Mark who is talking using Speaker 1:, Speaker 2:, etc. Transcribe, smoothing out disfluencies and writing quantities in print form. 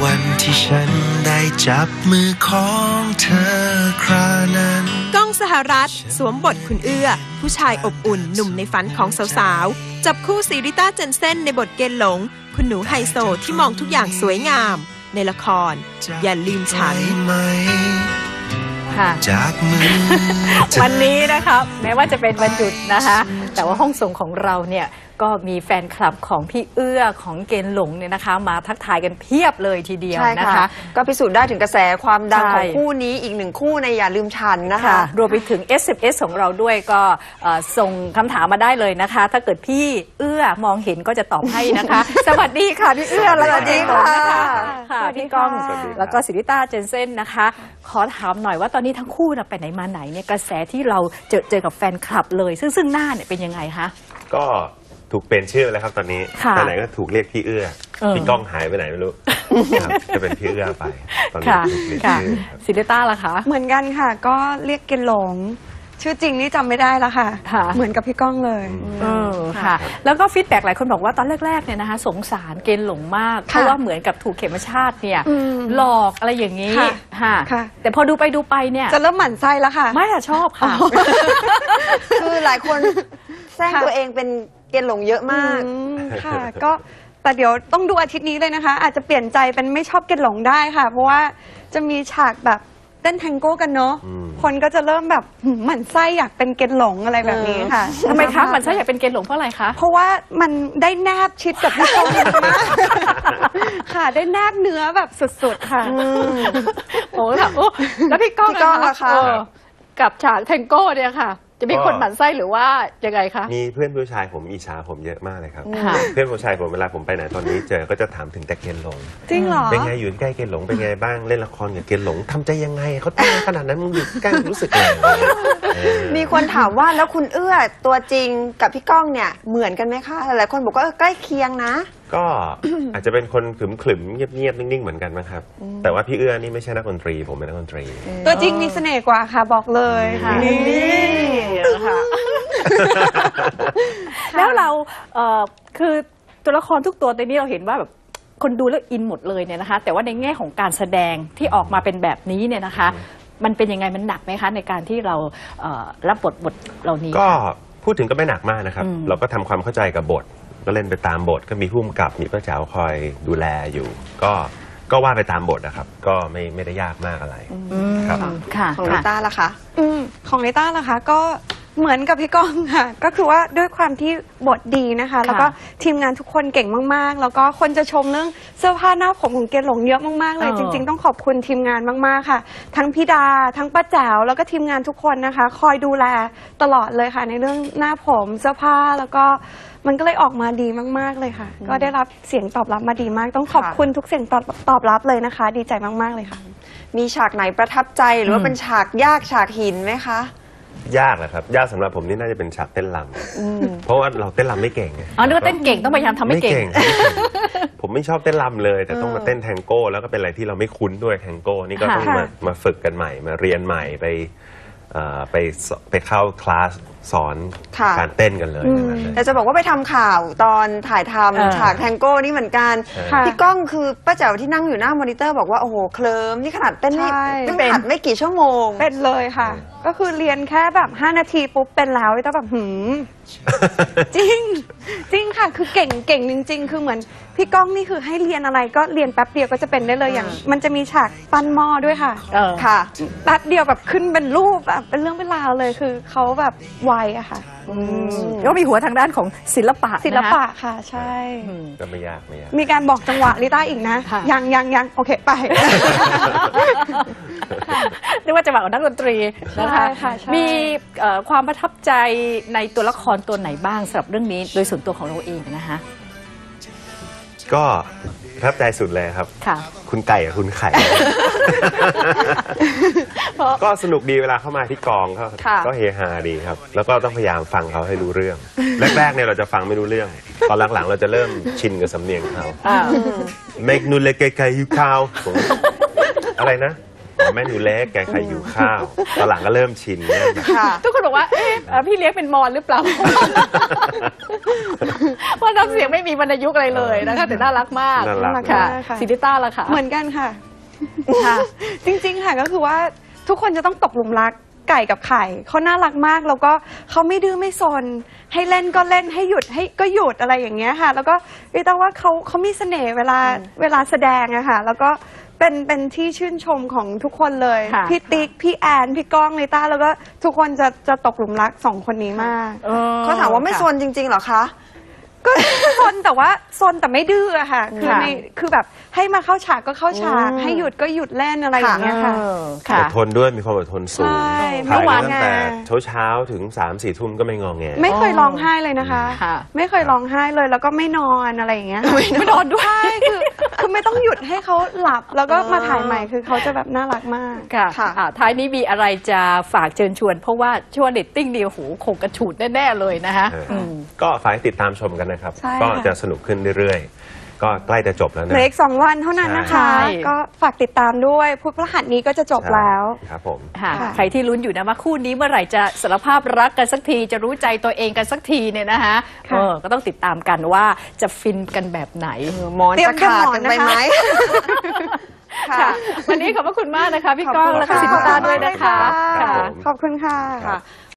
Speaker 1: วันที่ฉันได้จับมือของเธอครานั้น
Speaker 2: ก้องสหรัฐสวมบทคุณเอื้อผู้ชายอบอุ่นหนุ่มในฝันของสาวๆจับคู่ซีริต้าเจนเซ่นในบทเกณฑ์หลงคุณหนูไฮโซที่มองทุกอย่างสวยงามในละครอย่าลืมฉัน
Speaker 3: จากมือวันนี้นะคะแม้ว่าจะเป็นวันหยุดนะคะแต่ว่าห้องส่งของเราเนี่ยก็มีแฟนคลับของพี่เอื้อของเกณฑ์หลงเนี่ยนะคะมาทักทายกันเพียบเลยทีเดียวนะคะ
Speaker 4: ก็พิสูจน์ได้ถึงกระแสความดังของคู่นี้อีกหนึ่งคู่ในอย่าลืมฉันนะคะ
Speaker 3: รวมไปถึง SMS ของเราด้วยก็ส่งคำถามมาได้เลยนะคะถ้าเกิดพี่เอื้อมองเห็นก็จะตอบให้นะคะสวัสดีค่ะพี่เอื้อ
Speaker 4: สวัสดีค่ะ
Speaker 3: พี่ก้องแล้วก็ศิริต้าเจนเซ่นนะคะขอถามหน่อยว่าตอนนี้ทั้งคู่ไปไหนมาไหนเนี่ยกระแสที่เราเจอกับแฟนคลับเลยซึ่งหน้าเนี่ยเป็นยังไงคะ
Speaker 5: ก็ถูกเปลี่ยนชื่อแล้วครับตอนนี้ไปไหนก็ถูกเรียกพี่เอื้อพี่ก้องหายไปไหนไม่รู้จะเป็นพี่เอื้อไปตอนนี้ถูกเปลี่ยนชื่อ
Speaker 3: ศิริต้าล่ะคะ
Speaker 6: เหมือนกันค่ะก็เรียกเกณฑ์หลงชื่อจริงนี่จำไม่ได้แล้วค่ะเหมือนกับพี่ก้องเลย
Speaker 3: ค่ะแล้วก็ฟีดแบ็กหลายคนบอกว่าตอนแรกๆเนี่ยนะคะสงสารเกณฑ์หลงมากเพราะว่าเหมือนกับถูกเข็มชาติเนี่ยหลอกอะไรอย่างนี้ค่ะแต่พอดูไปเนี่ย
Speaker 6: จะเริ่มหมั่นไส้แล้วค่ะ
Speaker 3: ไม่ค่ะชอบค่ะ
Speaker 4: คือหลายคนแซงตัวเองเป็นเกณฑ์หลงเยอะมาก
Speaker 6: ค่ะก็แต่เดี๋ยวต้องดูอาทิตย์นี้เลยนะคะอาจจะเปลี่ยนใจเป็นไม่ชอบเกณฑ์หลงได้ค่ะเพราะว่าจะมีฉากแบบเต้นแทงโก้กันเนาะคนก็จะเริ่มแบบหมั่นไส้อยากเป็นเกณฑ์หลงอะไรแบบนี้ค่ะ
Speaker 3: ทำไมคะหมั่นไส้อยากเป็นเกณฑ์หลงเพราะอะไรคะ
Speaker 6: เพราะว่ามันได้แนบชิดกับพี่ก้องมากค่ะได้แนบเนื้อแบบสุดๆค่ะ
Speaker 3: โอ้ค่ะแล้วพี่ก้องนะคะกับฉากแทงโก้เนี่ยค่ะจะมีคนหมั่นไส้หรือว่ายังไงคะ
Speaker 5: มีเพื่อนผู้ชายผมอิจฉาผมเยอะมากเลยครับเพื่อนผู้ชายผมเวลาผมไปไหนตอนนี้เจอก็จะถามถึงแต่เกณฑ์หลง
Speaker 6: จริงเหรอ
Speaker 5: เป็นไงอยู่ใกล้เกณฑ์หลงเป็นไงบ้างเล่นละครกับเกณฑ์หลงทำใจยังไงเขาตั้งขนาดนั้นมึงอยู่ใกล้รู้สึกยังไง
Speaker 4: มีคนถามว่าแล้วคุณเอื้อตัวจริงกับพี่ก้องเนี่ยเหมือนกันไหมคะหลายคนบอกว่าใกล้เคียงนะ
Speaker 5: ก็อาจจะเป็นคนขรึมๆเงียบๆนิ่งๆเหมือนกันนะครับแต่ว่าพี่เอื้อนี่ไม่ใช่นักดนตรีผมเป็นนักดนตรี
Speaker 6: ตัวจริงมีเสน่ห์กว่าค่ะบอกเลย
Speaker 3: นี่ค่ะแล้วเราคือตัวละครทุกตัวในนี้เราเห็นว่าแบบคนดูแล้วอินหมดเลยเนี่ยนะคะแต่ว่าในแง่ของการแสดงที่ออกมาเป็นแบบนี้เนี่ยนะคะมันเป็นยังไงมันหนักไหมคะในการที่เรารับบทเหล่านี้
Speaker 5: ก็พูดถึงก็ไม่หนักมากนะครับเราก็ทำความเข้าใจกับบทก็เล่นไปตามบทก็มีผู้กำกับมีป้าแจ๋วคอยดูแลอยู่ก็ว่าไปตามบทนะครับก็ไม่ได้ยากมากอะไรครับ
Speaker 4: ของลิต้าล่ะคะ
Speaker 6: ของลิต้าล่ะคะก็เหมือนกับพี่ก้องค่ะก็คือว่าด้วยความที่บทดีนะคะแล้วก็ทีมงานทุกคนเก่งมากๆแล้วก็คนจะชมเรื่องเสื้อผ้าหน้าผมของเกณฑ์หลงเยอะมากๆเลยจริงๆต้องขอบคุณทีมงานมากๆค่ะทั้งพี่ดาทั้งป้าแจ๋วแล้วก็ทีมงานทุกคนนะคะคอยดูแลตลอดเลยค่ะในเรื่องหน้าผมเสื้อผ้าแล้วก็มันก็เลยออกมาดีมากๆเลยค่ะก็ได้รับเสียงตอบรับมาดีมากต้องขอบคุณทุกเสียงตอบรับเลยนะคะดีใจมากๆเลยค่ะ
Speaker 4: มีฉากไหนประทับใจหรือว่าเป็นฉากยากฉากหินไหมคะ
Speaker 5: ยากแหละครับยากสำหรับผมนี่น่าจะเป็นฉากเต้นรำเพราะว่าเราเต้นรำไม่เก่งไง
Speaker 3: นึกว่าเต้นเก่งต้องพยายามทำให้เก่ง
Speaker 5: ผมไม่ชอบเต้นรำเลยแต่ต้องมาเต้นแทงโก้แล้วก็เป็นอะไรที่เราไม่คุ้นด้วยแทงโก้นี่ก็ต้องมาฝึกกันใหม่มาเรียนใหม่ไปเข้าคลาสสอนการเต้นกันเลย
Speaker 4: แต่จะบอกว่าไปทำข่าวตอนถ่ายทำฉากแทงโก้นี่เหมือนกันพี่ก้องคือป้าแจ๋วที่นั่งอยู่หน้ามอนิเตอร์บอกว่าโอ้โหเคลิ้มนี่ขนาดเต้นไม่หัดไม่กี่ชั่วโมง
Speaker 6: เป็นเลยค่ะก็คือเรียนแค่แบบ5 นาทีปุ๊บเป็นแล้วแต่แบบจริงค่ะคือเก่งจริงๆคือเหมือนพี่ก้องนี่คือให้เรียนอะไรก็เรียนแป๊บเดียวก็จะเป็นได้เลยอย่างมันจะมีฉากปั้นหม้อด้วยค่ะ
Speaker 4: ค่ะ
Speaker 6: แป๊บเดียวแบบขึ้นเป็นรูปแบบเป็นเรื่องเป็นราวเลยคือเขาแบบไวอะค่ะ
Speaker 3: แล้วมีหัวทางด้านของศิลปะ
Speaker 6: ค่ะใช่
Speaker 5: ก็ไม่ยาก
Speaker 6: มีการบอกจังหวะลิต้าอีกนะยังโอเคไป
Speaker 3: เรียกว่าจังหวะของนักดนตรีนะคะมีความประทับใจในตัวละครตัวไหนบ้างสำหรับเรื่องนี้โดยส่วนตัวของเราเองนะคะ
Speaker 5: ก็ประทับใจสุดเลยครับคุณไก่กับคุณไข่ก็สนุกดีเวลาเข้ามาที่กองก็เฮฮาดีครับแล้วก็ต้องพยายามฟังเขาให้รู้เรื่องแรกๆเนี่ยเราจะฟังไม่รู้เรื่องตอนหลังๆเราจะเริ่มชินกับสำเนียงเขาเมกนูเลเกไกยูคาวอะไรนะแม่หนูเล็กแกใครหิวข้าวตอนหลังก็เริ่มชินเริ่มแบบ
Speaker 3: ทุกคนบอกว่าพี่เลี้ยงเป็นมอญหรือเปล่า เพราะน้ำเสียงไม่มีวรรณยุกต์อะไรเลยนะคะแต่น่ารักมาก
Speaker 5: น่ารัก
Speaker 3: ค่ะ
Speaker 6: ค่ะ
Speaker 3: ซิริต้าล่ะค่ะ
Speaker 6: เหมือนกันค่ะ จริงๆค่ะก็คือว่าทุกคนจะต้องตกหลุมรักไก่กับไข่เขาน่ารักมากแล้วก็เขาไม่ดื้อไม่ซนให้เล่นก็เล่นให้หยุดให้ก็หยุดอะไรอย่างเงี้ยค่ะ แล้วก็ริต้าว่าเขามีเสน่ห์เวลาแสดงอะค่ะแล้วก็เป็นที่ชื่นชมของทุกคนเลย
Speaker 3: ค่ะ
Speaker 6: พี่ติ๊กพี่แอนพี่ก้องริต้าแล้วก็ทุกคนจะตกหลุมรักสองคนนี้มาก
Speaker 4: เขาถามว่าไม่ซนจริงๆเหรอคะ
Speaker 6: ก็ซนแต่ว่าซนแต่ไม่ดื้ออะค่ะคือแบบให้มาเข้าฉากก็เข้าฉากให้หยุดก็หยุดเล่นอะไรอย่างเงี้ยค่ะ
Speaker 3: ค่ะ
Speaker 5: อดทนด้วยมีความอดทนสูง
Speaker 6: ใช่
Speaker 5: ถ่าย
Speaker 6: ไม่
Speaker 5: ตั้ง
Speaker 6: งอแง
Speaker 5: แต่เช้าถึง3-4 ทุ่มก็ไม่งอแง
Speaker 6: ไม่เคยร้องไห้เลยนะคะ
Speaker 3: ค่ะ
Speaker 6: ไม่เคยร้องไห้เลยแล้วก็ไม่นอนอะไรอย่างเงี้ย
Speaker 3: ไม่นอนด้วย
Speaker 6: ใช่คือไม่ต้องหยุดให้เขาหลับแล้วก็มาถ่ายใหม่คือเขาจะแบบน่ารักมาก
Speaker 3: ค่ะ
Speaker 4: ค่ะ
Speaker 3: ท้ายนี้มีอะไรจะฝากเชิญชวน เพราะว่าช่วงเรตติ้งเดียวโหคงกระฉูดแน่ๆเลยนะคะ
Speaker 5: ก็ฝากให้ติดตามชมกันนะครับ
Speaker 6: ใช่
Speaker 5: ก็
Speaker 6: ค่ะ
Speaker 5: จะสนุกขึ้นเรื่อยๆ ก็ใกล้จะจบแล้ว
Speaker 6: เห
Speaker 5: นะ
Speaker 6: ลืออีก2 วันเท่านั้นนะคะ
Speaker 3: ใช่
Speaker 6: ก็ฝากติดตามด้วยพุธพฤหัสนี้ก็จะจบแล้ว
Speaker 5: ครับผม
Speaker 3: ค่ะ
Speaker 6: ค่ะ
Speaker 3: ใครที่ลุ้นอยู่นะว่าคู่นี้เมื่อไหร่จะสารภาพรักกันสักทีจะรู้ใจตัวเองกันสักทีเนี่ยนะคะ
Speaker 6: ค่ะ
Speaker 3: ก็ต้องติดตามกันว่าจะฟินกันแบบไหน
Speaker 4: หมอนจะขาดกันไปไหม
Speaker 3: ค่ะ วันนี้ขอบพระคุณมากนะคะพี่ก้องและ
Speaker 6: ขอบ
Speaker 3: ซิ
Speaker 6: คุณ
Speaker 3: นต้า
Speaker 6: ค่ะ
Speaker 3: ด้วยนะคะ
Speaker 5: ครับผม
Speaker 6: ขอบคุณค่ะ
Speaker 5: ครับ